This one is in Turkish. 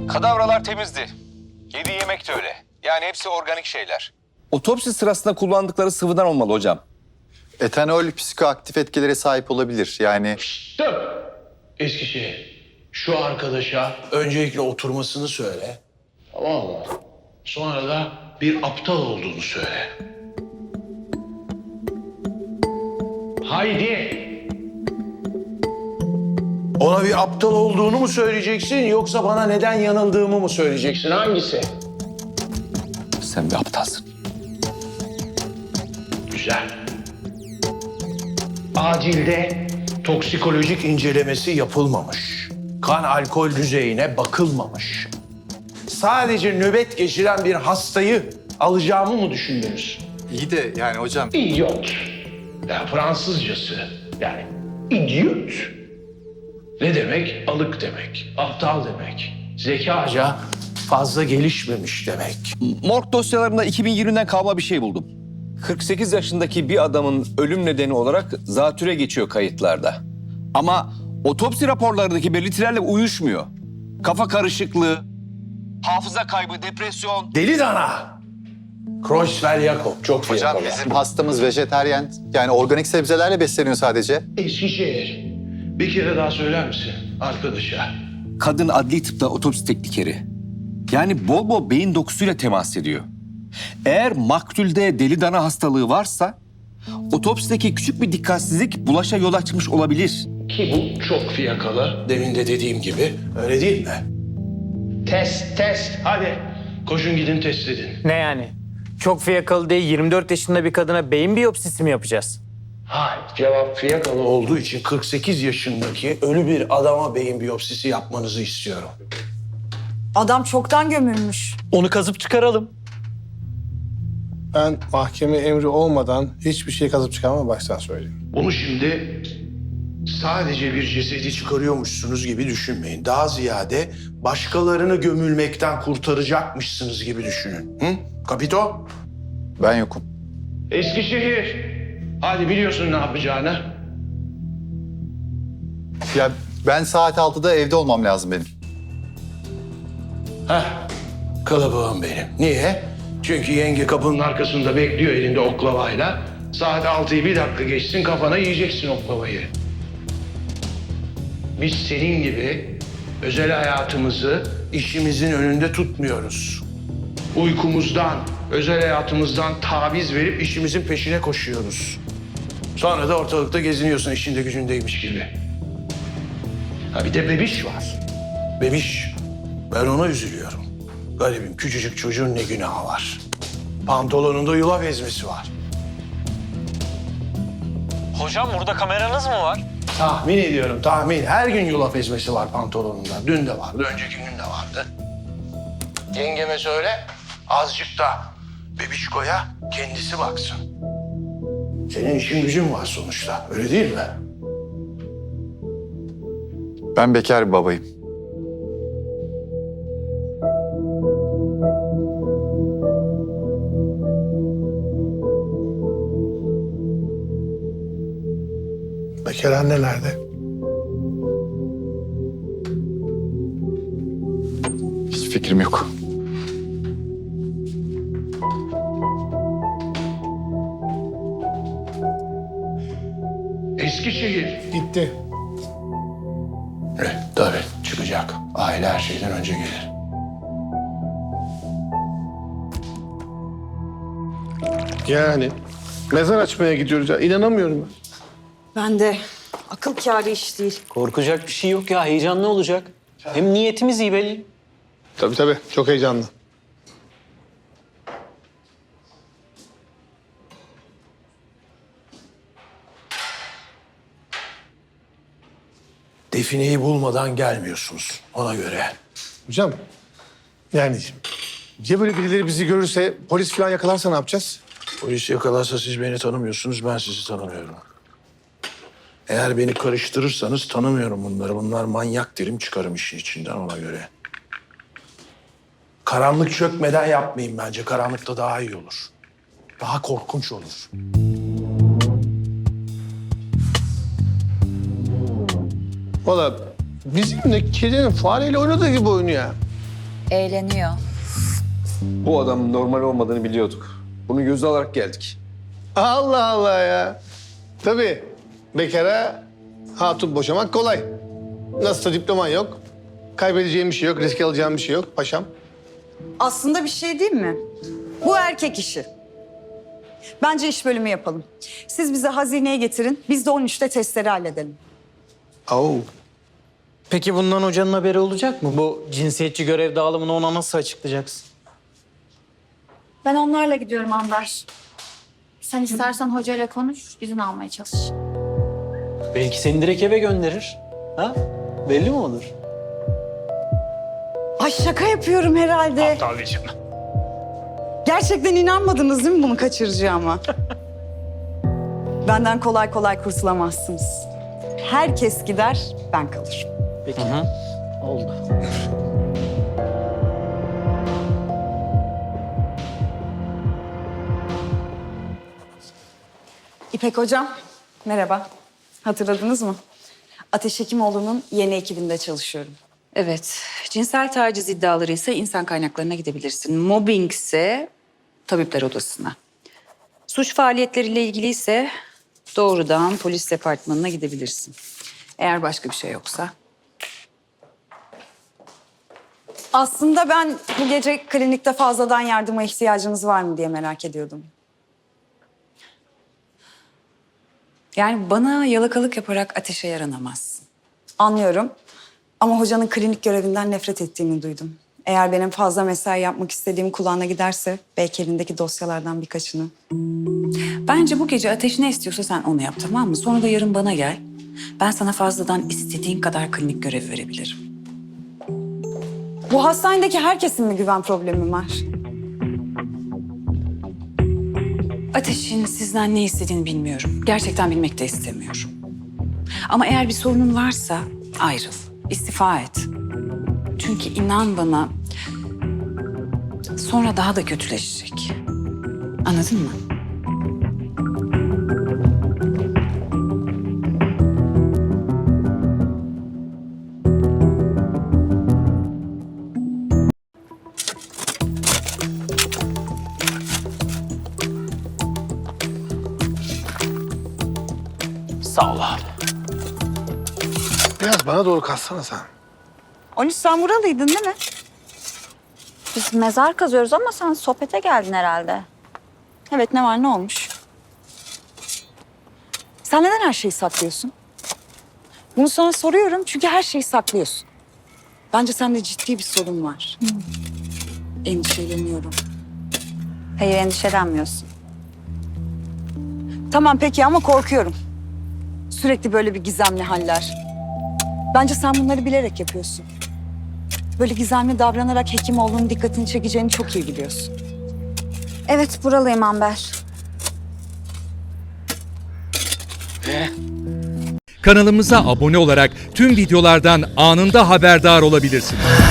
Kadavralar temizdi. Yediği yemek de öyle. Yani hepsi organik şeyler. Otopsi sırasında kullandıkları sıvıdan olmalı hocam. Etanol psikoaktif etkilere sahip olabilir. Yani Stop! Eskişehir. Şu arkadaşa öncelikle oturmasını söyle. Tamam mı? Sonra da bir aptal olduğunu söyle. Haydi! Ona bir aptal olduğunu mu söyleyeceksin yoksa bana neden yanıldığımı mı söyleyeceksin? Hangisi? Sen bir aptalsın. Güzel. Acilde toksikolojik incelemesi yapılmamış. Kan alkol düzeyine bakılmamış. Sadece nöbet geçiren bir hastayı alacağımı mı düşündünüz? iyi de yani hocam İdiot. Ya Fransızcası. Yani idiot. Ne demek? Alık demek. Aptal demek. Zekaca fazla gelişmemiş demek. Morg dosyalarında 2020'den kalma bir şey buldum. 48 yaşındaki bir adamın ölüm nedeni olarak zatüre geçiyor kayıtlarda. Ama otopsi raporlarındaki belirtilerle uyuşmuyor. Kafa karışıklığı, hafıza kaybı, depresyon. Deli dana. Creutzfeldt-Jakob çok hocam fiyakalı. bizim hastamız vejeteryen. Yani organik sebzelerle besleniyor sadece. Eskişehir. Bir kere daha söyler misin arkadaşa? Kadın adli tıpta otopsi teknikeri. Yani bol bol beyin dokusuyla temas ediyor. Eğer maktulde deli dana hastalığı varsa otopsideki küçük bir dikkatsizlik bulaşa yol açmış olabilir. Ki bu çok fiyakalı. Demin de dediğim gibi. Öyle değil mi? Test. Hadi. Koşun gidin test edin. Ne yani? Çok fiyakalı diye 24 yaşında bir kadına beyin biyopsisi mi yapacağız? Hayır. Cevap fiyakalı olduğu için 48 yaşındaki ölü bir adama beyin biyopsisi yapmanızı istiyorum. Adam çoktan gömülmüş. Onu kazıp çıkaralım. Ben mahkeme emri olmadan hiçbir şey kazıp çıkarmam baştan söyleyeyim. Bunu şimdi sadece bir cesedi çıkarıyormuşsunuz gibi düşünmeyin. Daha ziyade başkalarını gömülmekten kurtaracakmışsınız gibi düşünün. Hı? Kapito? Ben yokum. Eskişehir. Hadi biliyorsun ne yapacağını. Ya ben saat 6'da evde olmam lazım benim. Heh, kılıbığım benim. Niye? Çünkü yenge kapının arkasında bekliyor elinde oklavayla. Saat 6'yı bir dakika geçsin kafana yiyeceksin oklavayı. Biz senin gibi özel hayatımızı işimizin önünde tutmuyoruz. Uykumuzdan, özel hayatımızdan taviz verip işimizin peşine koşuyoruz. Sonra da ortalıkta geziniyorsun işinde gücündeymiş gibi. Ha bir de bebiş var. Bebiş. Ben ona üzülüyorum. Garibim küçücük çocuğun ne günahı var. Pantolonunda yulaf ezmesi var. Hocam burada kameranız mı var? Tahmin ediyorum tahmin. Her gün yulaf ezmesi var pantolonunda. Dün de vardı, önceki gün de vardı. Yengeme söyle azıcık da bebişkoya kendisi baksın. Senin işin gücün var sonuçta öyle değil mi? Ben bekar bir babayım. Bekar anne nerede? Hiç fikrim yok. Eskişehir. Gitti. Tabii çıkacak. Aile her şeyden önce gelir. Yani mezar açmaya gidiyoruz ya. İnanamıyorum ben. Ben de akıl kârı iş değil. Korkacak bir şey yok ya. Heyecanlı olacak. Hem niyetimiz iyi belli. Tabii çok heyecanlı. Defineyi bulmadan gelmiyorsunuz ona göre. Hocam yani ya böyle birileri bizi görürse polis falan yakalarsa ne yapacağız? Polis yakalarsa siz beni tanımıyorsunuz, ben sizi tanımıyorum. Eğer beni karıştırırsanız tanımıyorum bunları. Bunlar manyak derim çıkarım işin içinden ona göre. Karanlık çökmeden yapmayın bence. Karanlıkta daha iyi olur. Daha korkunç olur. Valla bizim de kedinin fareyle oynadığı gibi oynuyor ya. Eğleniyor. Bu adamın normal olmadığını biliyorduk. Bunu göze alarak geldik. Allah Allah ya. Tabii bekara hatun boşamak kolay. Nasılsa diploman yok. Kaybedeceğim bir şey yok, risk alacağım bir şey yok paşam. Aslında bir şey değil mi? Bu erkek işi. Bence iş bölümü yapalım. Siz bize hazineyi getirin, biz de 13'te testleri halledelim. Oo. Peki bundan hocanın haberi olacak mı? Bu cinsiyetçi görev dağılımını ona nasıl açıklayacaksın? Ben onlarla gidiyorum Amber. Sen istersen hocayla konuş, izin almaya çalış. Belki seni direkt eve gönderir. Ha? Belli mi olur? Ay şaka yapıyorum herhalde. Tabii canım. Gerçekten inanmadınız değil mi bunu kaçıracağıma? Benden kolay kolay kurtulamazsınız. Herkes gider, ben kalırım. Peki. Oldu. İpek Hocam, merhaba. Hatırladınız mı? Ateş Hekimoğlu'nun yeni ekibinde çalışıyorum. Evet, cinsel taciz iddiaları ise insan kaynaklarına gidebilirsin. Mobbing ise tabipler odasına. Suç faaliyetleriyle ilgili ise doğrudan polis departmanına gidebilirsin. Eğer başka bir şey yoksa. Aslında ben bu gece klinikte fazladan yardıma ihtiyacınız var mı diye merak ediyordum. Yani bana yalakalık yaparak ateşe yaranamazsın. Anlıyorum ama hocanın klinik görevinden nefret ettiğini duydum. Eğer benim fazla mesai yapmak istediğim kulağına giderse belki elindeki dosyalardan birkaçını. Bence bu gece ateş ne istiyorsa sen onu yap, tamam mı? Sonra da yarın bana gel. Ben sana fazladan istediğin kadar klinik görev verebilirim. Bu hastanedeki herkesin mi güven problemi var? Ateş'in sizden ne istediğini bilmiyorum. Gerçekten bilmek de istemiyorum. Ama eğer bir sorunun varsa ayrıl, istifa et. Çünkü inan bana sonra daha da kötüleşecek. Anladın mı? Sağ ol abi. Biraz bana doğru kalsana sen. 13 sen buralıydın değil mi? Biz mezar kazıyoruz ama sen sohbete geldin herhalde. Evet ne var ne olmuş? Sen neden her şeyi saklıyorsun? Bunu sana soruyorum çünkü her şeyi saklıyorsun. Bence sende ciddi bir sorun var. Endişeleniyorum. Hayır, endişelenmiyorsun. Tamam peki ama korkuyorum. Sürekli böyle bir gizemli haller. Bence sen bunları bilerek yapıyorsun. Böyle gizemli davranarak Hekimoğlu'nun dikkatini çekeceğini çok iyi biliyorsun. Evet, buralıyım Amber. Kanalımıza abone olarak tüm videolardan anında haberdar olabilirsiniz.